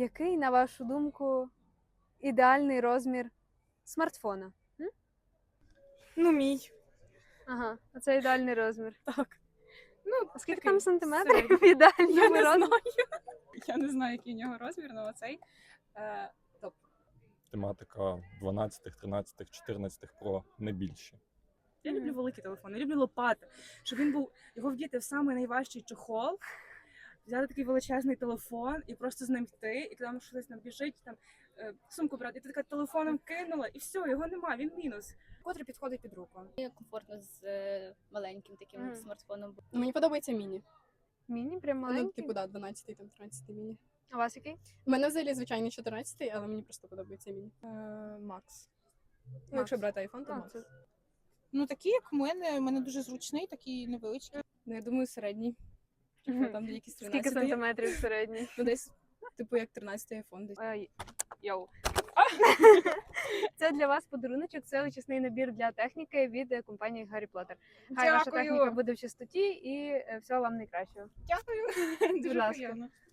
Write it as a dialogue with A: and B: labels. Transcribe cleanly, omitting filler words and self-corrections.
A: Який, на вашу думку, ідеальний розмір смартфона?
B: Ну, мій.
A: Ага, оце ідеальний розмір.
B: Так. Ну,
A: А скільки
B: такий
A: там сантиметрів
B: середній.
A: в ідеальному
B: Я не
A: розмірі?
B: знаю. Я не знаю, який у нього розмір, але оцей топ.
C: Тематика 12, 13, 14 Pro, не більше.
B: Я люблю великі телефони, я люблю лопати, щоб він був, його вдіти в самий найважчий чохол, взяти такий величезний телефон і просто з ним йти, і коли щось там біжить, там сумку брати, і ти така телефоном кинула, і все, його нема, він мінус. Котрий підходить під руку.
D: Комфортно з маленьким таким смартфоном.
E: Ну, мені подобається міні.
A: Міні, прям
E: Ну,
A: маленький?
E: типу, да, 12 там 13 міні.
A: А у вас який?
E: У мене взагалі звичайний 14, але мені просто подобається міні.
B: Макс.
E: Ну, якщо брати айфон, то
A: А,
E: Макс.
A: це-
F: Ну, такі, як в мене дуже зручний, такий невеличкий.
E: Ну, я думаю, середній.
A: Мгм.
E: Там якісь
A: Скільки
E: 13.
A: сантиметрів середній?
E: Ну, десь, типу, як 13 айфон десь.
A: Ой, Йоу. Це для вас подаруночок, це очисний набір для техніки від компанії Гаррі Поттер. Хай ваша
B: Дякую.
A: техніка буде в чистоті і всього вам найкращого.
B: Дякую.
A: Будь
B: Дуже
A: ласка.
B: приємно.